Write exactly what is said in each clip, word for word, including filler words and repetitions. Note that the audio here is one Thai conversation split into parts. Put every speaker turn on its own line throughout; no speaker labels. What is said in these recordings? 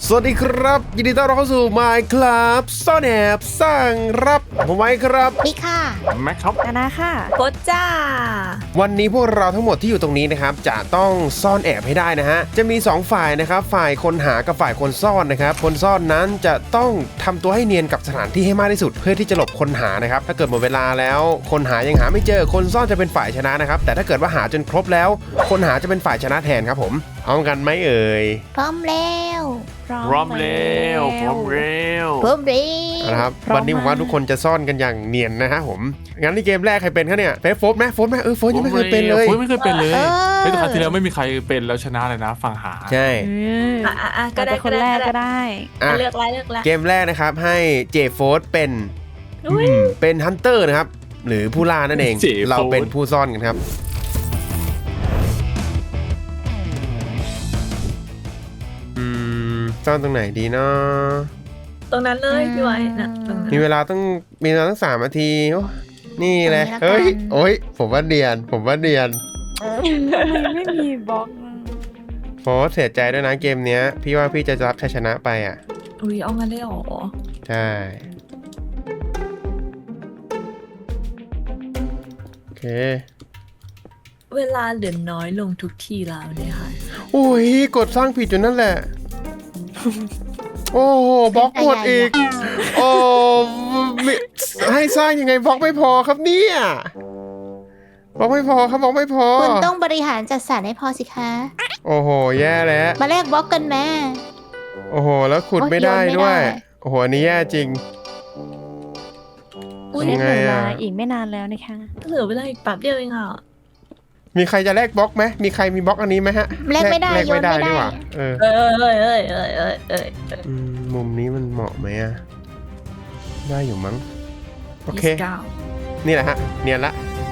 สวัสดีครับยินดีต้อนรับเข้าสู่ Minecraft ซ่อนแอบสร้างรับผมไว้ครับ
พี่ค่ะ
แม็กครับ
นานาค่ะ
โคตจ้า
วันนี้พวกเราทั้งหมดที่อยู่ตรงนี้นะครับจะต้องซ่อนแอบให้ได้นะฮะจะมีสองฝ่ายนะครับฝ่ายคนหากับฝ่ายคนซ่อนนะครับคนซ่อนนั้นจะต้องทำตัวให้เนียนกับสถานที่ให้มากที่สุดเพื่อที่จะหลบคนหานะครับถ้าเกิดหมดเวลาแล้วคนหายังหาไม่เจอคนซ่อนจะเป็นฝ่ายชนะนะครับแต่ถ้าเกิดว่าหาจนครบแล้วคนหาจะเป็นฝ่ายชนะแทนครับผมพร้อมกันไหมเอ่ย
พร้อมแล้ว
พร้อมแล้วพร้อมแล้ว
พร้อมแล้ว
นะครับวันนี้ผมว่าทุกคนจะซ่อนกันอย่างเนียนนะฮะผมงั้นในเกมแรกใครเป็นคะเนี่ยเฟซโฟร์ไหมโฟร์ไหมเออโฟร์ยังไม่เคยเป็นเลย
โอ้ยไม่เคยเป็นเลย
เออ
เฮ้ยแต่ครั้งที่แล้วไม่มีใครเป็นแล้วชนะเลยนะฝั่งหา
ใช่
อ่ะอ่ะอ่ะก็ได้
คนแรกก็ได้
อ่ะ
เลือกแล้วเลือกแล้ว
เกมแรกนะครับให้เจโฟร์เป็น
อุ้ย
เป็นฮันเตอร์นะครับหรือผู้ล่านั่นเอง
เจโฟร์
เราเป็นผู้ซ่อนกันครับอืมซ่อนตรงไหนดีเนาะ
ตรงนั้นเลยพี่ไว้นะตรงนั้น
มีเวลาต้องมีเวลาตั้งสามนาทีโอ้นี่เลยเฮ้ยโอ้ยผมว่าเนียนผมว่าเนียน
ทำไมไม่มีบล็อก
โฟร์เสียใจด้วยนะเกมเนี้ยพี่ว่าพี่จะรับชัยชนะไปอ่ะ
อุ้ยเอางั้นเลยเหรอ
ใช่โอเค
เวลาเหลือน้อยลงทุกทีแล้วเนี่ยค่ะ
โอ้ยกดสร้างผิดอยู่นั่นแหละ โอ้โหบล็อกหมดอีก โอ้มิให้สร้างยังไงบล็อกไม่พอครับเนี่ยบล็อกไม่พอครับบล็อกไม่พอ
คุณต้องบริหารจัดสรรให้พอสิคะ
โอ้โหแย่แล้ว
มาแลกบล็อกกันแม่
โอ้โหแล้วขุดไม่ได้
โอ๊ยโยนไม่
ด้วย
ได้
โอ้โหอันนี้แย่จริง
อุ้ย
ยังไง
เหลือเว
อะ
ลาอีกไม่นานแล้วนะคะ
เหลือเวลาอีกแป๊บเดียวเองอ่ะ
มีใครจะแลกบล็อกไหมมีใครมีบล็อกอันนี้ไหมฮะ
แลกไม่ได้
แลกไม่ได้
โยนไม่ได้
นี่หว่าเออ
เอ้ยเอ้ยเอ้ยเอ้ยเอ้ยเอ้ยเอ้ย
อืมมุมนี้มันเหมาะไหมอะได้อยู่มั้งโอเค
ยี่สิบเก้า
นี่แหละฮะเนียนละ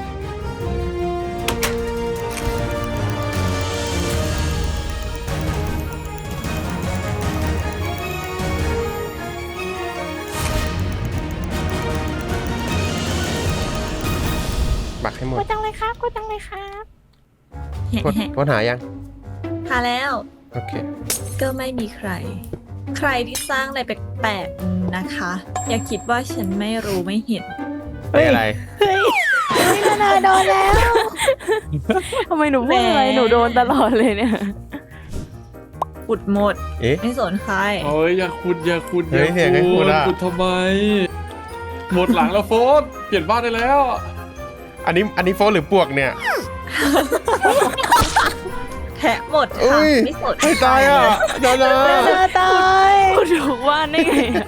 บักให้หมด
ก็จังเลยครับก็จังเลยครับ
กดกดหายัง
หาแล้ว
โอเค
ก็ไม่มีใคร ใครที่สร้างอะไรแปลกๆนะคะ อย่าคิดว่าฉันไม่รู้ไม่เห็น
ไม่อะไร
นี่นานาโดนแล้ว
ทำไมหนูพูดอะไร
แหม
หนูโดนตลอดเลยเนี่ย
อุดหมด
เอ๊ะ
ไม่สนใคร
โอ้ยอย่าขุดอย่าขุด
เฮ้ยเสียงให้ขุดอะ
ขุดทำไม หมดหลังแล้วโฟนเปลี่ยนบ้านได้แล้ว
อันนี้อันนี้โฟนหรือปวกเนี่ย
แทะหมด
อุ้
ค่ะ
ย
ไม่สน
ให้ตายอ่ะเดี๋ยวนะ
นานาตาย
ขุดถูกว่านได้ไงอะ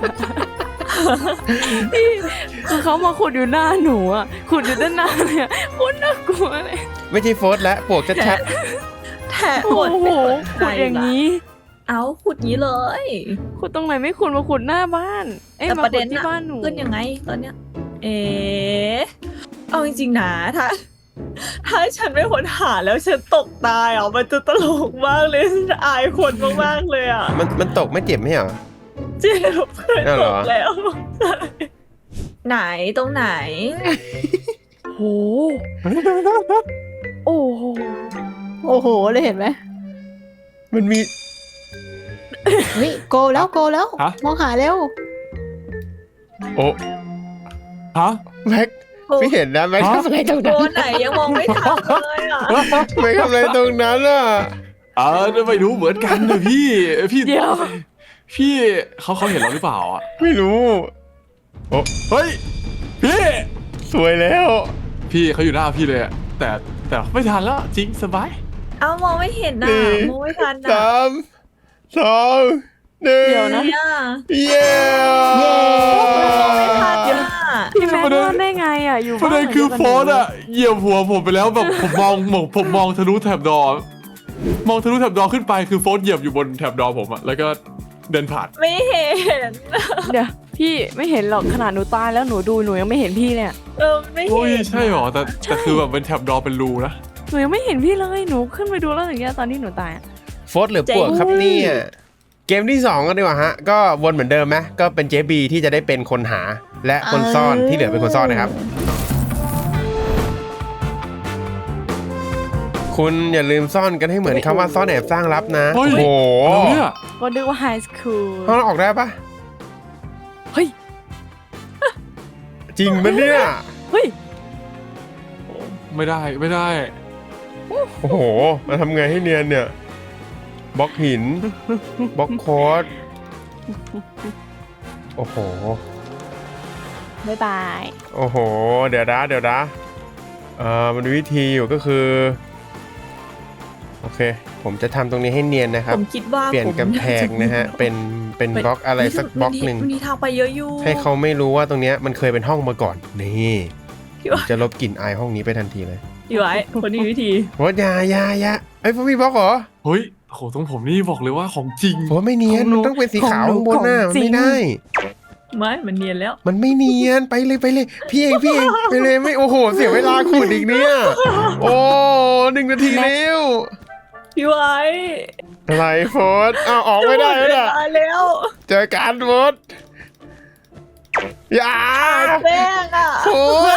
พี่คือเขามาขุดอยู่หน้าหนูอ่ะขุดอยู่ด้านหน้าเลยอะโคตรน่ากลัวเลย
ไม่ใช่โฟนแล้วปวกชัด
แทะ
โอ้
หมด
โห
ไม่สนใคร
ขุดอย่าง
ละ
นี้
เอาขุดนี้เลย
ขุดตรงไหนไม่ขุดมาขุดหน้าบ้านเอ้ย
แต่
มา
ประ
ขุ
เด็
ด
น
ที่
อะ
บ้านหนู
ขึ้นยังไงตอนเนี้ย เอ๋เอาจริงๆนะถ้า ถ้าฉันไม่ค้นหาแล้วฉันตกตายอ่ะมันจะตลกมากเลยฉันอายคนมากๆเลยอ่ะ
ๆมันมันตกไม่เจ็บไหมเหรอ
เจ็บเคย
อ้าว
ต
เหรอ
กแล้ว ไหนตรงไหน
โหโอ้โห
โอ้โหเลยเห็นไหม
มันมี
เฮ้ยโกแล้วโกแล้ว
ฮะ
มองหาเร็ว
โอ้
ฮะ
แม็กพี่เห็นนะแม็ก
ฮะ
ทำอะไรตรง
โด
นั้น
นไหนยังมองไม่ทันเลยอ่ะ
แม็กทำอะไรตรงนั้นอ่ะ
เออไม่รู้เหมือนกันนะพี่พี่
เดี๋ยว
พี่เขาเขาเห็นเราหรือเปล่าอ่ะ
ไม่รู้โอ้
เฮ้ยพี่
สวยแล้ว
พี่เขาอยู่หน้าพี่เลยอะแต่แต่ไม่ทันแล้วจริงสบาย
เอามองไม่เห็นนะ
นี่
มองไม่ทันนะ
สามสองหนึ่ง
เดี๋ยวนะ
เนี่ย
เย้
เย้
มองไม่ทันอ่ะ
พี่แม็กรอดได้ไงอ่ะอยู่
ประเด็น
บ้าน
คือ
หมื
โฟนอะเหยียบหัวผมไปแล้วแบบผมมองมองผมมองทะลุแถบดอมองทะลุแถบดอขึ้นไปคือโฟนเหยียบอยู่บนแถบดอผมอะแล้วก็เดินผ่าน
ไม่เห็น
เดี๋ยวพี่ไม่เห็นหรอกขนาดหนูตายแล้วหนูดูหนูยังไม่เห็นพี่เลยอะ
เออไม่
โอ้ย
เห็น
ใช่หรอแต่แต่คือแบบเป็นแถบดอเป็นรูนะ
หนูยังไม่เห็นพี่เลยหนูขึ้นไปดูแล้วอย่างเงี้ยตอนที่หนูตายอะ
โฟร์หรือปวกครับเนี่ยเกมที่สองกันดีกว่าฮะก็วนเหมือนเดิมไหมก็เป็นเจบีที่จะได้เป็นคนหาและคนซ่อนที่เหลือเป็นคนซ่อนนะครับ คุณอย่าลืมซ่อนกันให้เหมือนคำว่าซ่อนแอบสร้างลับนะ
เฮ้
โอ้
ย
โห
อะไรเนี่ย
ก็นึกว่าไฮสคูล
ห้องเราออกได้ปะ
เฮ้ย
จริงปะเนี่ย
เฮ้ย
ไม่ได้ไม่ได้
โอ้โหมาทำไงให้เนียนเนี่ยบล็อกหินบล็อกโค้ดโอ้โห
บ๊ายบาย
โอ้โห เดี๋ยวนะเดี๋ยวนะเอ่อมันมีวิธีอยู่ก็คือ โอเค ผมจะทำตรงนี้ให้เนียนนะค
ผ
รับ
มคิดว่า
เปลี่ยน
ผม
กำแพงนะฮะ เป็นเป็นบล็อกอะไรสักบล็อกหนึ่ง
มันมีทางไปเยอะอยู่
ให้เขาไม่รู้ว่าตรงเนี้ยมันเคยเป็นห้องมาก่อน นี่
พี่
ผม
ไว้
จะลบกลิ่นอายห้องนี้ไปทันทีเลย
พี่ไว้คนนี้วิธี
โอ้ยอยาอยาอยาเอ้ยพวกพี่บล็อกเหรอ
เฮ้ยโหตรงผมนี่บอกเลยว่าของจริง
ผมว่าไม่เนียน
ของหนู
มันต้องเป็นสีขาว
ของหนู
ข้างบนหน้า
ของ
มัน
จริง
ไม่ได้
ไม่มันเนียนแล้ว
มันไม่เนียนไปเลยไปเลย พี่เองพี่เองไปเลยไม่โอ้โห เสียเวลาขุดอีกเนี่ย โอ้หนึ่งนาทีแล้ว
พี่ไว้
อะไรโฟดอ้าวออกไม่ได้แล้ว
เว
เนี่ย
ลาแล้ว
เจอการโฟดอย่า
แป้งอ่ะ
โฟด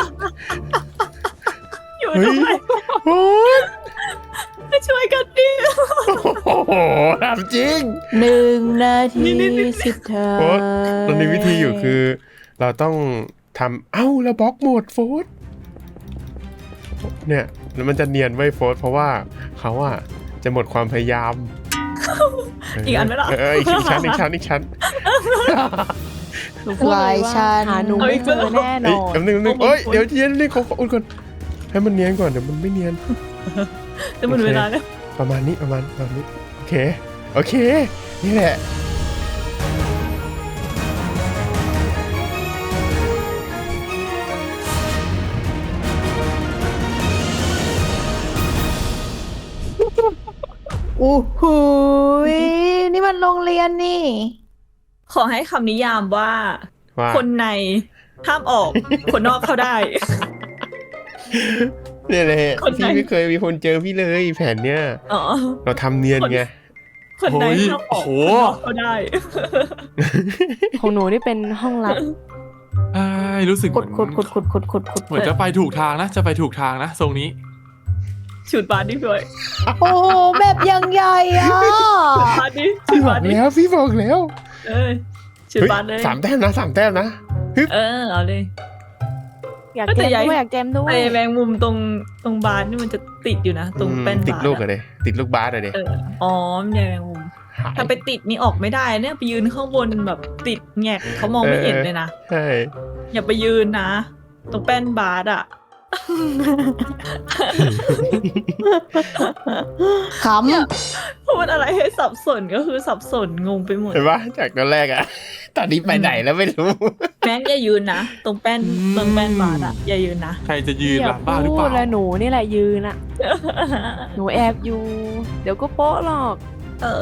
อยู่
เฮ้
ทำ
ย
ไม
โฟด
ไม่ช่วยกันดิ
โอ้โหทำจริง
หนึ่งนาที
นี่นี่นี่
สิบเธอ
โฟดตอนนี้วิธีอยู่คือ เราต้องทำเอ้าแล้วบล็อกหมดโฟดเนี่ยแล้วมันจะเนียนไว้ยโฟดเพราะว่าเขาอะจะหมดความพยายาม
อีกอันไหมล่ะ
เอออีกชั้นอีกชั้นอีกชั้น
หนูพูดเลยว่า
ลายชัน
หาหนูไม่เจอแน่น
เอ้ย
อน
แป๊บนึงแป๊บนึงเอ้ยเดี๋ยวเย็นนี่ขอขออุ่นก่อนให้มันเนียนก่อนเดี๋ยวมันไม่เนียน
จะหมดเวลาแล้ว
ประมาณนี้ประมาณประมาณนี้โอเคโอเค นี่แหละ
อู้หูยนี่มันโรงเรียนนี่
ขอให้คำนิยามว่า
ว่า
คนในห้ามออก คนนอกเข้าได้
เนี่ยแหละ
คนไหน
พี่ไม่เคยมีคนเจอพี่เลยแผนเนี้ย
อ๋อ
เราทำเนียนไง
คนใน
โอ้ย
ห้ามออก
โห
คนนอกเข้าได้
ของหนูนี่เป็นห้องลับ
ใช่รู้สึกเห
ขุ
มื
ด
อน
ขุดขุดขุดขุดขุดขุด
เหมือนจะไปถูกทางนะ จะไปถูกทางนะทรงนี้
ฉุดบาสดิพี่ไว้
โอ้โหแบบยังใหญ่อะ
ฉุดบาสดิฉุ
พี่
ด
บอบ
าก สดิ
แล้วพี่บอกแล้ว
เอ้ยฉุด
เฮ้ย
บาสเลย
สามแต้มนะสามแต้มนะ
เออเอาเลย
อยาก
ก็
แจ
แต่
ม
ใหญ่
ด้วยอยากแจมด้ว
ไอ้
ย
แมงมุมตรงตรงบาสนี่มันจะติดอยู่นะ ตรงแป้น
ติด
บาส
ลูก
อะ
อะเดติดลูกบาสอะเด
เอออ๋อมันใหญ่แมงมุม
หาย
ถ้าไปติดนี่ออกไม่ได้เนี่ยไปยืนข้างบนแบบติดแงกเขามองไม่เห็นเลยนะ
ใช่
อย่าไปยืนนะ ตรงแป้นบาสอ่ะ
ขำ
พูดอะไรให้สับสนก็คือสับสนงงไปหมด
เห็นปะจากตอนแรกอะตอนนี้ไปไหนแล้วไม่รู้
แม็กอย่ายืนนะ ตรงแป้น
อืม
ตรงแป้นบาสอ่ะอย่ายืนนะ
ใครจะยืน
อย่า
ล่ะบ้าหรือ
พู
เป
ด
ล่า
แล้วหนูนี่แหละยืนอะหนูแอบอยู่ เดี๋ยวก็โป๊ะหรอก
เออ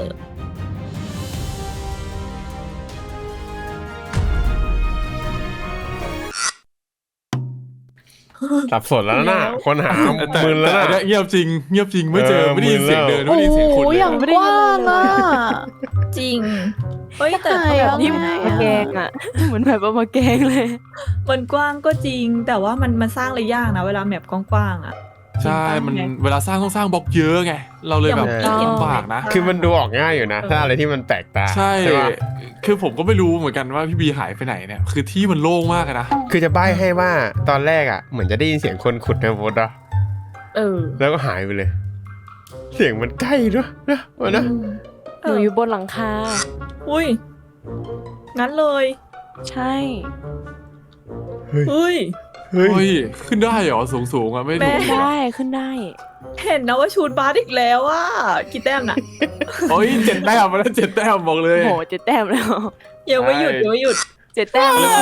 สับสนแล้วนะ
แล้ว
คนหา
แต่
มึนแล้ว
แต่
นะ
อันเนี้ยเงียบจริง เงียบจริงไม่เจอ
เออ
ไม่ได้ยินเสียง
มึ
เดิ
น
น
แล้ว
ไม่ได้ยินเสียงคน
โอ้
เลย
อย่างกว้างอะ
จริงเฮ้ยแต่
ใช่
แบบ
อะ
ที่
ที่มาแกงอะ เหมือนแบบว่ามาแกงเลย
มันกว้างก็จริง แต่ว่ามันมันสร้างเลยยากนะ เวลาแมปกว้างๆอ่ะ
ใช่มัน
จริงปะ
เวลาสร้างต้องสร้างบล็อกเยอะไง เราเลยแบบ
อย่างที่เห็น
ลำบากนะ
คือมันดูออกง่ายอยู่นะ ถ้าอะไรที่มันแปลกตา
ใช่
ปะ
คือผมก็ไม่รู้เหมือนกันว่าพี่บีหายไปไหนเนี่ย คือที่มันโล่งมากอะนะ
คือจะใบ้ให้ว่าตอนแรกอะเหมือนจะได้ยินเสียงคนขุดในโบสถ์อะ
เออ
แล้วก็หายไปเลย เสียงมันใกล้ด้วยนะวะนะ
หนูอยู่บนหลังคา
อุ้ย งั้นเลย
ใช่
เฮ้ย
เฮ้ย
เฮ้ย
เฮ้ย ขึ้นได้เหรอสูงสูงๆอะไม่
แม่
รู้
ได้ขึ้นได้
เห็นนะว่าชูดบาสอีกแล้วอ่ะกี่แต้มน่ะ
โอ้ยเจ็ดแต้มมาแล้วเจ็ดแต้มบอกเลย
โหเจ็ดแต้มแล้ว
ยังไม่หยุด
ใช่
ยังไม่หยุด
เจ็ดแต้มแล้ว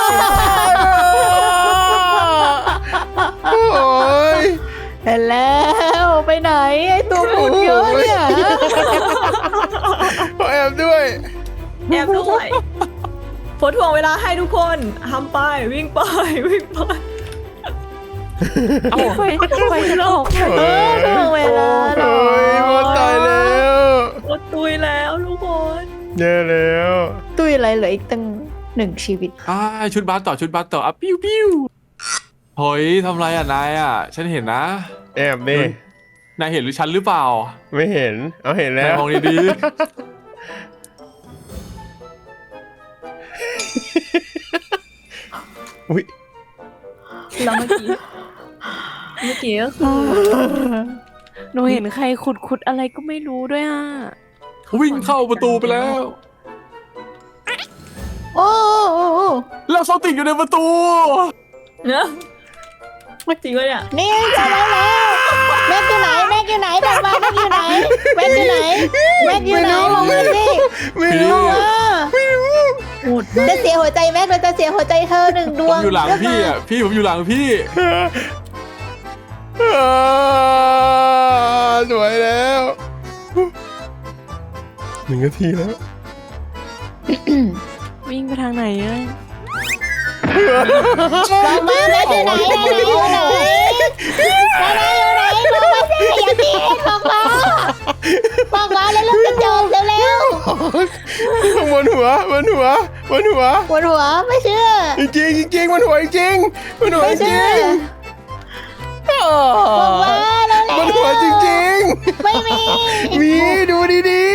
โอ้ย
เห็นแล้วไปไหนไอตัวขุดเยอะเนี่ย
ขอแอบด้วย
แอบด้วยโพสถ่วงเวลาให้ทุกคนทำไปวิ่งไปวิ่งไป
เอาไฟไฟจะออก
เออถึงเวลาหน่อ
โอ้ยหมดตายแล้ว
โคตรตุยแล้วทุกคน
แย่แล้ว
ตุ้ยอะไรเหลืออีกตั้งหนึ่งชีวิต
อ่าชุดบาสต่อชุดบาสต่ออ่ะปิ้วปิ้วเฮ้ยทำไรอ่ะนายอ่ะ ฉันเห็นนะ
แอบดิ
นายเห็นหรือฉันหรือเปล่า
ไม่เห็น เอาเห็นแล้
นายว มองดี
อุ้ย
แล้วเมื่อกี้เมื่อกี้ก็คือ
หนูเห็นใครขุดขุดอะไรก็ไม่รู้ด้วยอ่ะ
วิ่งเข้าประตูไปแล้ว
โอ้โอ้โอ้
แล้วเขาติดอยู่ในประตู
เนอะจริงวะเนี่ย
นี่เจอแล้วแล้วแม็กอยู่ไหนแม็กอยู่ไหนบอกมาแม็กอยู่ไหนแม็กอยู่ไหนแม็กอยู่ไหนบอกมาสิ
ไม่
พี่
รู้
บอกมา
โหดมาก
จะเสียหัวใจแม็กเราจะเสียหัวใจเธอหนึ่งด
ผ
ว
ม
ง
อยู่หลังพี่อ่ะพี่ผมอยู่หลังพี่
อ่าสวยแล้วหนึ่งนาทีแล้ว
วิ่งไปทางไหนอ่ะ
บอกมาแม็กอยู่ไหนแม็กอยู่ไหนแม็กอยู่ไหนบอกมาสิอย่าตีบอกมาบอกมาแล้วลูกจะจบเร็ว
บนหัวบนหัวบนหัว
ๆปวดหัวไม่เชื่อ
จริงจริงจริงบนหัวจริงบนหัว
ไม่
จ
เชื่
ริ
อง บอกมาแล้ว
บนหัวจริง
ไม่มี
ๆมีดูดี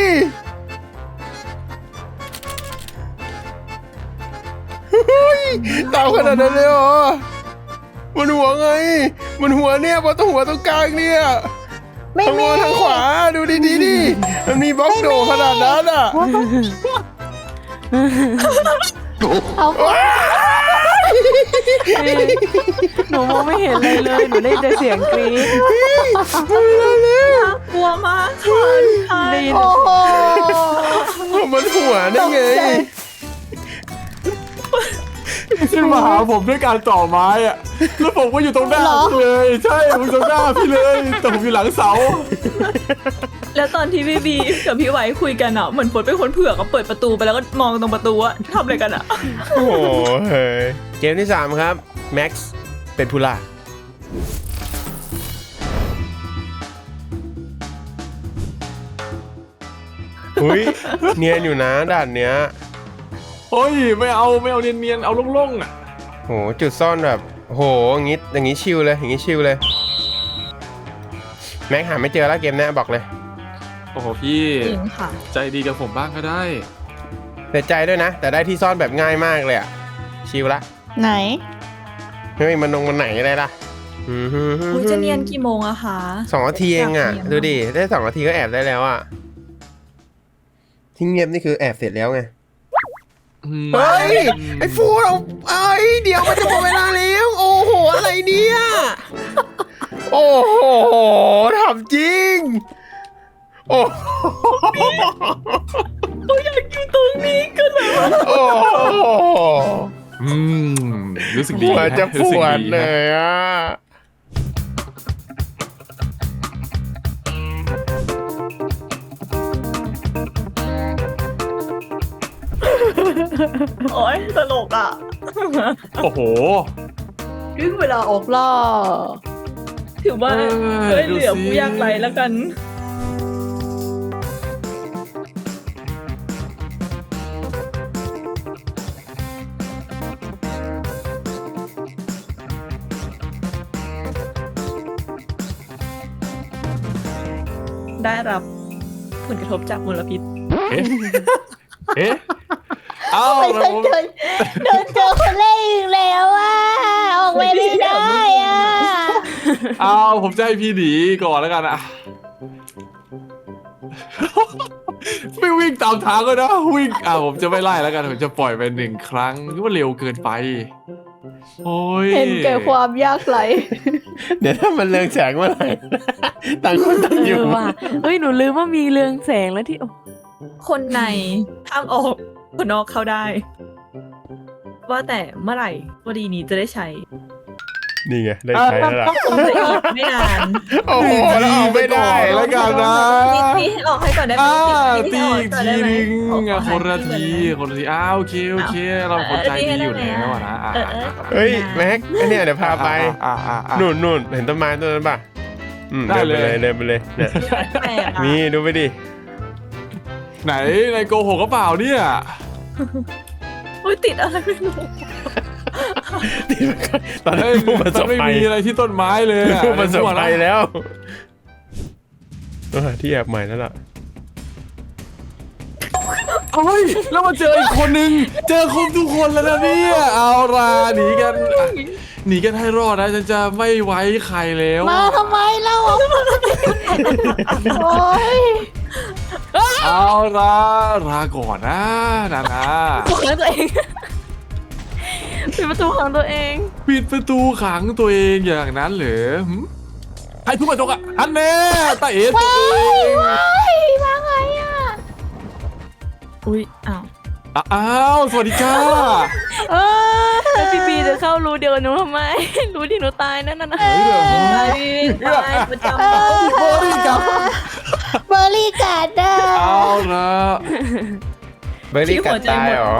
ๆเฮ้ยตามขนาดนั้นเลยเหรอบนหัวไงบนหัวเนี่ยบนตรงหัวตรงกลางเนี่ย
ไม่
ทางบ
มี
นทางขวาดูดีๆดิมันมีบล็อกโดขนาดนั้นอ่ะ
เอา
หนูมองไม่เห็นอะไรเลยหนูได้แต่เสียงกรี๊ด
กลัวมากค่ะใช่
ได้ยิน
โอ้โห
มันหัวได้ไง
ขึ้นมาหาผมด้วยการต่อไม้อ่ะแล้วผมก็อยู่ตรงหน้าพี่เลยใช่ผมอยู่ตรงหน้าพี่เลยแต่ผมอยู่หลังเสา
แล้วตอนที่พี่บีกับพี่ไว้คุยกันอ่ะเหมือนฝนเป็นคนเผือกก็เปิดประตูไปแล้วก็มองตรงประตูอะทำอะไรกันอ่ะ
โอ้โหเฮ้ยเกมที่สามครับแม็กซ์เป็นผู้ล่าอุ้ยเนียนอยู่นะด่านเนี้ย
เฮ้ยไม่เอาไม่เอาเนียนๆเอาโล่งๆอ่ะ
โหจุดซ่อนแบบโหอย่างงี้อย่างงี้ชิลเลยอย่างงี้ชิลเลยแม็กหาไม่เจอแล้วเกมเนี้ยบอกเลย
โอ้โหพี่
จริงค่ะ
ใจดีกับผมบ้างก็ได้
เสียใจด้วยนะ แต่ได้ที่ซ่อนแบบง่ายมากเลยอะชิลละ
ไหน
ไม่มีมันนงมันไหนอะไรล่ะอือหือ
อุ้ยจะเนียนกี่โมงอะคะ
สองนาทีเองอะ
อยากเนียน
ดูดิได้สองนาทีก็แอบได้แล้วอะที่เงียบนี่คือแอบเสร็จแล้วไง เฮ้ย ไอ้ฟูเราเอ้ยเดี๋ยวมันจะหมดเวลาแล้ว โอ้โห อะไรเนี่ย โอ้โหทำจริง โอ้โห
โอ้ยอยากอยู่ตรงนี้กันเลย
โอ้โห
อืมรู้สึกดี
หัวจะป
รู้สึก
วด
ดี
เล
นะ
ยอ่ะ
โอ้ยตลกอ่ะ
โอ้โห
ถึงเวลาออกล่า
ถือว่า
เออ
เฮ้ย
ดู
เหลือ
สิ
ผู้ยากไร้แล้วกัน ได้รับผลกระทบจากมลพิษ
เอ๊ะเอ๊ะเอ้า
ไป
แล้ว
โดนโดนเจอคนแรกอีกแล้วอ่ะออกไม่ได้อ่ะ
เอ้าผมจะให้พี่หนีก่อนแล้วกันอะไม่วิ่งตามทางก็นะวิ่งอ่าผมจะไม่ไล่แล้วกันผมจะปล่อยไปหนึ่งครั้งนี่ว่าเร็วเกินไป โอ้ย
เห็นแก่ความยากไร
เดี๋ยวถ้ามันเรืองแสงเมื่อไหร่ ต่างคนต่าง
เอ
อยู่
อว่ะเฮ้ยหนูลืมว่ามีเรืองแสงแล้วที่โอ้
คนในห้ามออกคนนอกเข้าได้ ว่าแต่เมื่อไหร่วดีนี้จะได้ใช้
นี่ไง ได้ใช้แล้วล่ะ
คงจะอีกไม่นาน
โอ้โหแล้วเอาไม่ได้
แล้วกันนะ
นิดนี้ออกให้ก่อนได้ไหม
อ่า
นิด
ตี
นี้ออก
อีก
ก่อน
ที
ได้ไหม
นึง
ขอ
อ่ะ
ข
ค
อน
ละ
ให้
ที
ก่อน
คนละทีอ้าวโอเคโอเค เราคนใจดีอยู่แล้วอะนะอ่ะ
เออเออ
เฮ้ย แม็กไอเนี่ยเดี๋ยวพาไป
อ่ะอ่ะอ่ะ
นู่นนู่นเห็นต้นไม้ต้นนั้นป่ะอืม
ได้
เดินไป
เลย
เลยเดินไปเลยเนี่ย
แปลกอะ
นี่ดูไปดิ
ไหนในโกหกก็เปล่าเนี่ย
อุ้ยติดอะไรไม่รู้
ตอน
เฮ้
นี้
ย
ผู้ประ
มั
ส
น
บ
ไม่
ภัย
มีอะไรที่ต้นไม้เลยอะ
ผู้ประสบภัย
มั่ว
แล้วต้องหาที่แอบใหม่แล้วล่ะ
เอ้ยแล้วมาเจออีกคนนึงเจอครบทุกคนแล้วนะเนี่ยเอาละหนีกันหนีกันให้รอดนะฉันจะไม่ไว้ใครแล้ว
มาทำไมเล่าโอ้ย
เอาละลาก่อนนะนานา
ขังตัวเองปิดประตูขังตัวเอง
ปิดประตูขังตัวเองอย่างนั้นเหรอหึใครทุบกระจกอ่ะอันแน่ตาเอ๋ตัวเอง
ว้ายมาไงอ่ะ
อุ้ยอ้าว
อ่ะอ้าวสวัสดีจ้า
เออ
แล้วพี่บีจะเข้ารู้เดียวกับหนูทำไม รู้ที่หนูตายนั่นน่ะนะ
เฮ้ยเหรอ
ไปไปประจำ
โอ้ยกับ
เบอร์รี่กัดอ่ะ
เอาละ
เบอร์รี่กัดตายเหรอ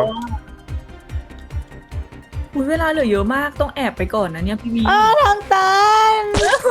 อุ้ยเวลาเหลือเยอะมากต้องแอบไปก่อนนะเนี่ยพี่วี
อ้าวทางตัน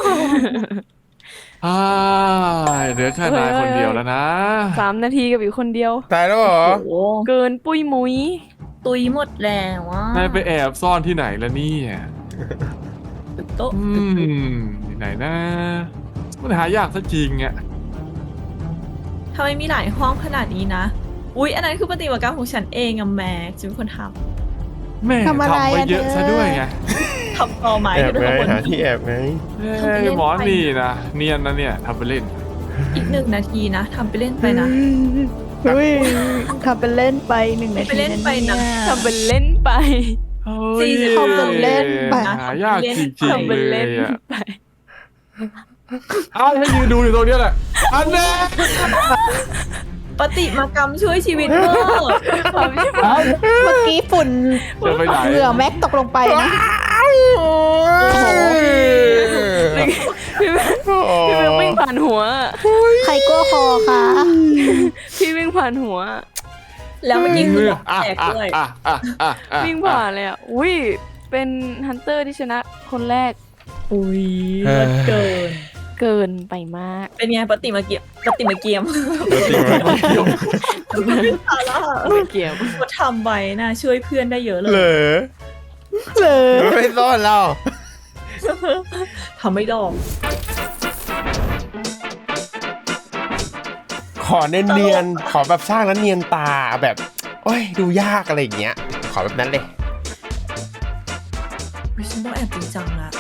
อ่าเหลือแค่นายคนเดียวแล้วนะ
สามนาทีกับอีกคนเดียว
ตายแล้วเหรอ
โอ้โห
เกินปุ้ยมุ้ย
ตุยหมดแล้วว่าน
ายไปแอบซ่อนที่ไหนแล้วเนี่ย
โต๊ะ
อืมที่ไหนนะมันหายากซะจริงอ่ะ
ทำไมมีหลายห้องขนาดนี้นะอุ้ยอันนั้นคือปฏิบัติการของฉันเองอะแม็กซ์ฉันเป็นคนท
แม่
ทำอะไร
ทำไป
อ่ะ
เยอะ
เธอ
ซะด้วยไง
ำทำต่อไม้
แอบ
ที่เป็น
ไง
คน
หาที่แอบไง
เอ้ยหมอนี่นะเนียนนะเนี่ยทำไปเล่น
อีกหนึ่งนาทีนะทำไปเล่นไปนะ
อุ้ยทำเป็นเล่นไปหนึ่งนาที
ไปเล่นไปนะ
ทำเป็นเล่นไป
เฮ้ย
สี่สิบ
ทำเป็นเล่นไป
หายากจริง
ทำ
ๆเล
เป็นเล่
ย
น
อ่ะ
ไป
เอ้าให้ยืนดูอยู่ตรงเนี้ยแหละอันแน่
ปฏิมากรรมช่วยชีวิตเวอร์
ความชิบ
เอ้า
เมื่อกี้ฝุ่น
จะไปไหน
เหงื่อแม็กตกลงไปนะ
พี่แม่พี่แม่วิ่งผ่านหัว
ใครกลัวคอคะ
พี่วิ่งผ่านหัว
แล้วเมื่อกี้คือบอก
อ่ะ
แตก
อ่ะ
ด้วย
อ่ะอ่ะอ่ะอ่ะ
วิ่งผ่านเลยอ่ะ อุ้ย เป็นฮันเตอร์ที่ชนะคนแรก
อุ้ยเลิศเกิน
เกินไปมาก
เป็นไงปฏิมาเกียมปฏิมาเกียม
เดี๋ยว
สาระ
ไม่เกี่ยว
เขาทำไว้นะช่วยเพื่อนได้เยอะเล
เหร
ย
อ
เลย
ไม่ซ่อนเรา
ทำไม่ดอก
ขอเนียนๆขอแบบสร้างแล้วเนียนตาแบบโอ้ยดูยากอะไรอย่างเงี้ย ขอแบบนั้นเลย
อุ๊ยฉันต้องแอบจริงจังละ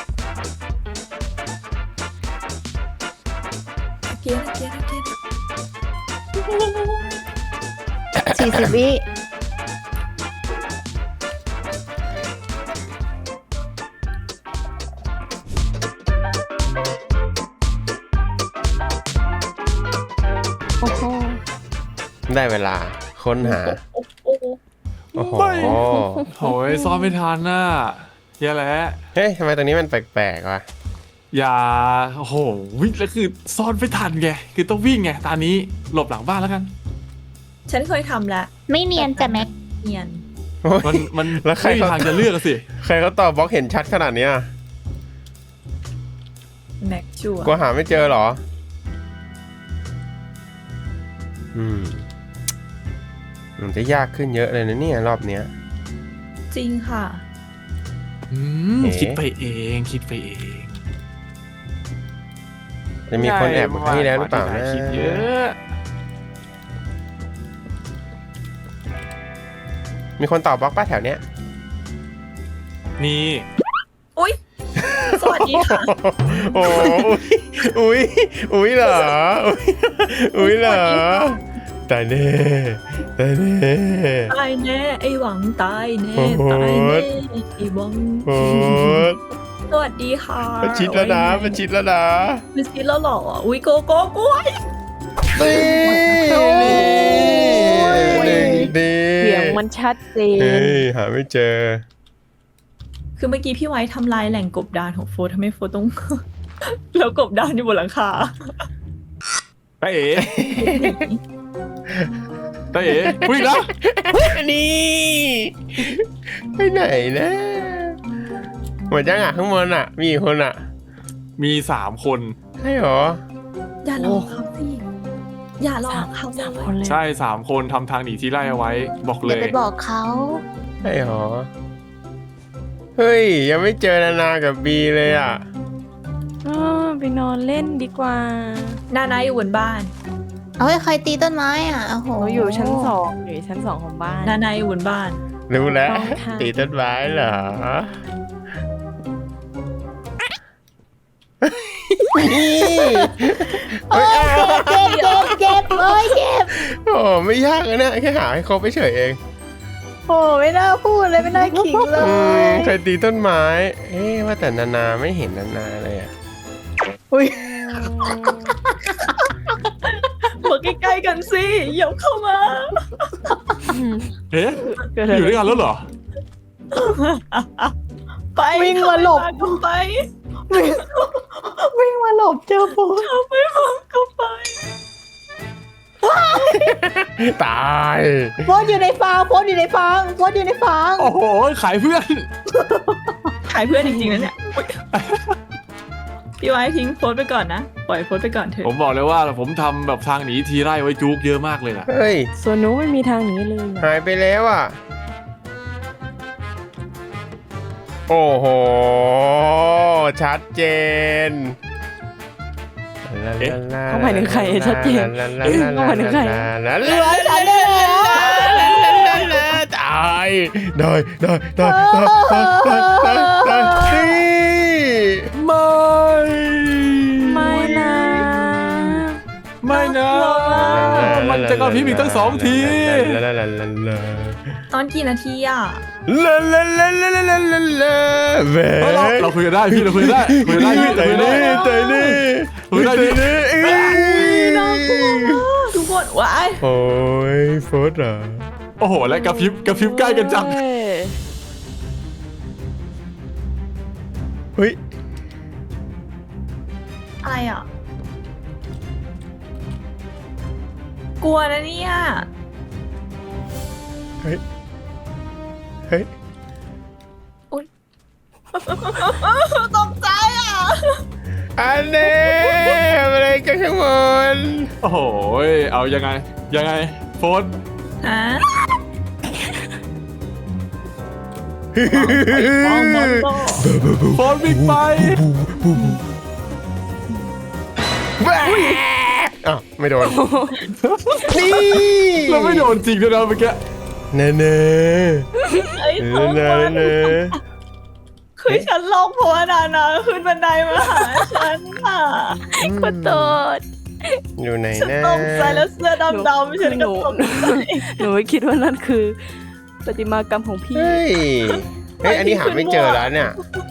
เกียร์เกียร์เกียร์
สี่สิบวิ
โอ้โห
ได้เวลาค้นหา
โอ้โอ้
โอ้โห
ไม่โอ้ยซ้อมไม่ทันน่ะแย่แล้ว
เฮ้ยทำไมตรงนี้มันแปลกๆวะ
อย่าโอ้โหวิ่งแล้วคือซ่อนไม่ทันไงคือต้องวิ่งไงตอนนี้หลบหลังบ้านแล้วกัน
ฉันเคยทำแล้ว
ไม่เนียนจ้ะแม็ก
เนียน
โอ้ย
มันมัน
แล้วใคร
ไม่มี
เขา
ทางจะเลือกอะสิ
ใครเขาตอบบล็อกเห็นชัดขนาดเนี้ย
แม็กชัวร์
กลัวหาไม่เจอเหรอ อืม มันจะยากขึ้นเยอะเลยนะเนี่ยรอบเนี้ย
จริงค่ะ
อืม
เอ๊ะ
คิดไปเองคิดไปเอง
จะมีคนแอบมาให้แล้วหรือเปล่านะ
คิดเยอะ
มีคนตอบบล็อกป้าแถวเนี้ย
นี่
อุ้ยสวัสดีค่ะ
โอ้อุ้ยอุ้ยอุ้ยเหรอ อุ้ยอุ้ยเหรอ ตายแน่ตายแน่
ตายแน่ไอหวังตายแน่
โอ้โห
ตายแน่ไอหวัง
โอ้ย
สวัสดีค่ะ
มันชิดแล้วนะมันชิดแล้วนะ
มันชิดแล้วเหรออุ้ยโกโก้กล้วย
นี่นี่หนึ่งดี
เสียงมันชัดเจน
เฮ้ยหาไม่เจอ
คือเมื่อกี้พี่ไว้ทำลายแหล่งกบดานของโฟร์ทำให้โฟร์ต้อง แล้วกบดานอยู่บนหลังคา
ตาเอ๋ตาเอ๋วิ่งแล้ว
นี่ไปไหนนะหมดยังอ่ะข้างบนอ่ะ มีกี่คนอ่ะ
มีสามคน
ใช่หรอ
อย่าหลอกเขาสิอย่าหลอกเขา
สามคนเลย
ใช่สามคนทำทางหนีที่ไล่เอาไว้บอกเล
อย่าย ไปบอกเขา
ใช่หรอ เฮ้ย ยังไม่เจอนานากับบีเลยอ่ะ
อ๋อไปนอนเล่นดีกว่า
นานาอยู่บนบ้าน
เอาไว้ใครตีต้นไม้อ่ะโอ้โห
หนูอยู่ชั้นสองอยู่ชั้นสองของบ้าน
นานาอยู่บนบ้าน
รู้แล้ว
ต้องค่ะ
ตีต้นไม้เหรอ
โอ้ยเจ็บเจ็บเจ็บเจ็บโอ้ยเจ็บ
โอ้ไม่ยากนะแค่หาให้ครบไปเฉยเอง
โอ้ไม่น่าพูดเลยไม่น่าขิงเล
อืม
ย
ใครตีต้นไม้ เอ๊ะว่าแต่นานาไม่เห็นนานาเลยอะ
อุ้ย
มาใกล้ๆกันสิอย่าเข้ามา
เอ๊ะ
เกิดอะไร
อยู่ด้วยกันแล้วเหรอ
ไป
วิ่งมาหลบ
เข้าไป
วิ่งมาหลบเจอปู
เข้าไปเข้าไป
ตาย
โพสอยู่ในฟางโพสอยู่ในฟางโพสอยู่ในฟาง
โอ้โหขายเพื่อน
ขายเพื่อนจริงๆนะเนี่ยพี่ไว้ทิ้งโพสต์ไปก่อนนะปล่อยโพสต์ไปก่อนเถ
ผม
อะ
บอกเลยว่าผมทำแบบทางหนีทีไร่ไว้จุกเยอะมากเลยนะ
เฮ้ย
ส่วนหนูไม่มีทางหนี้เลย
หายไปแล้วอ่ะ โอ้โห ชัดเจน
เขาหมายถึงใครชัดเจนเขาหมายถึงใคร
เหลือฉันได้แล้ว
ตายได้ได้ได้ได้ได้ได้ได้นี่
ไม่
ไม่นะ
ไม่นะ มันจะกระพริบอีกตั้งสองที
ลาลาลาลา
ตอนกี่นาทีอ่ะ
ลาลาลาลาลาลาลาลาแหว
เฮ้ยเราเราคุยกันได้พี่เราคุยกันได้คุยกันได้พี่
ใจ
เราคุยกัน
นี่
ได้
ใจนี่
คุยได้
ใจ
พี่
นี่เอ้ย
ทุกคนว้าย
โอ้ยโฟร์เหรอ
โอ้โหและกระพริบกระพริบใกล้กันจัง
เอ้ย
เฮ้ย
อะไรอ่ะกลัวนะเนี่ย
เฮ้ยเฮ้ย
ตกใจอ่ะ
อันนี้อะไรกันข้างบน
โอ้โหเอายังไงยังไงโฟน
ฮะ
โฟนวิ่งไป
แหวอ้าวไม่โดน นี่
เราไม่โดนจริงด้วยนะเมื่อกี้
เน่เน่
ไอ้ทุ
เน่
ก
เน่
คน
เน่
คือฉันลงเพราะว่านานาขึ้นบันไดมาหาฉันอ่ะ
ขอโทษ
อยู่ไหน
ฉัน
นะ
ตกใจแล้วเสื้อดำๆฉันก็ตกใจ
หนูไม่คิดว่านั่นคือประติมากรรมของพี่
เฮ้ย เฮ้ย อันนี้หาไม่เจอแล้วเนี่ย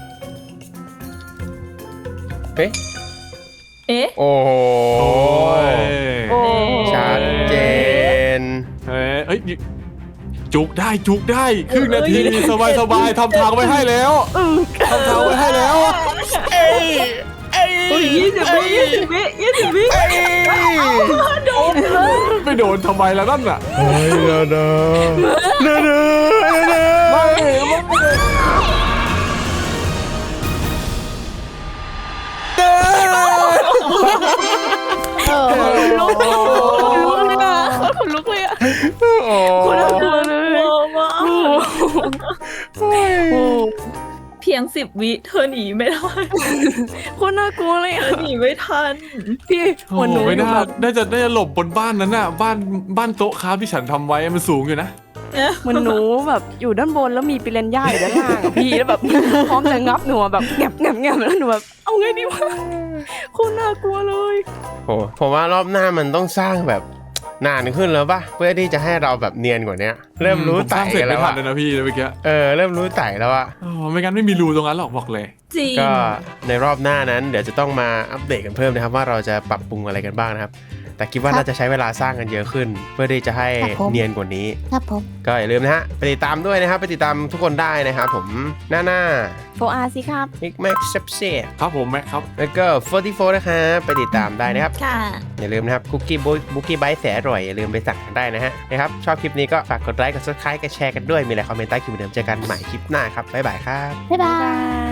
เฮ้ย
เอ๊ะ
โอ้โห
โอ้ย
โอ้
ชัดเจน
เฮ้ยเอ้ยจุกได้จุกได้ครึ่งนาทีสบายสบายทำทางไว้ให้แล้วทำทางไว้ให้แล้ว
เอ้ยเอ้ย
โอ้ยยี่สิบวิยี่สิบวิยี่สิบวิ
เอ้ย
โดนเลย
ไม่โดนทำไมล่ะนั่นน่ะ
เฮ้ยนาดานาดานาดานา
เออ
ลุกเลยอ่ะขนลุกเลยอ่ะ
โอ้โห
คนน่ากลัวเลย
กลัวมาก
โอ้
เพียงสิบวิเธอหนีไม่ได้
คนน่ากลัวเลย
เธ
อ่ะ
อหนีไม่ทัน
พี่
โอ้
วันหนู
ไม่น่า
แบบ
น่าจะน่าจะหลบบนบ้านนั้นน่ะบ้านบ้านโต๊ะค้าที่ฉันทำไว้มันสูงอยู่นะ
เหมันหนูแบบอยู่ด้านบนแล้วมีปิเรนย่าอยู่ด้านล่างอะพี่แล้วแบบพร้อมจะงับหนูอะแบบแงบแงบแงบแล้วหนูแบบเอาไงดีวะคนน่ากลัวเลย
โหผมว่ารอบหน้ามันต้องสร้างแบบนานขึ้นแล้วป่ะเพื่อที่จะให้เราแบบเนียนกว่านี้เริ่มรู้
ผส
ไต่
ร้างเสร็จ
กันแล้
ไม่
ว
ทั
อะ
นเลยนะพี่เมื่อกี้
เออเริ่มรู้ไต่แล้วอะ
อ๋อไม่งั้นไม่มีรูตรงนั้นหรอกบอกเลย
จริง
ก็ในรอบหน้านั้นเดี๋ยวจะต้องมาอัปเดตกันเพิ่มนะครับว่าเราจะปรับปรุงอะไรกันบ้างนะครับแต่คิดว่าน่าจะใช้เวลาสร้างกันเยอะขึ้น เพื่อที่จะให้เนียนกว่านี้
ครับผม
ก็อย่าลืมนะฮะไปติดตามด้วยนะครับไปติดตามทุกคนได้นะครับผมหน้าหน้า
โฟอาร์สิครับ
มิกแม็กซ์เซปเซ่
ครับผมแม็กครับ
แล้วก็โฟร์ตี้โฟร์นะครับไปติดตามได้นะครับ
ค่ะ
อย่าลืมนะครับคุกกี้บุกกี้ไบต์แสนอร่อยอย่าลืมไปสั่งกันได้นะฮะนะครับชอบคลิปนี้ก็ฝากกดไลค์กดซับสไครต์กดแชร์กันด้วยมีอะไรคอมเมนต์ใต้คลิปเหมือนเดิมเจอกันใหม่คลิปหน้าครับบ๊ายบายครับ
บ๊ายบา
บาย ย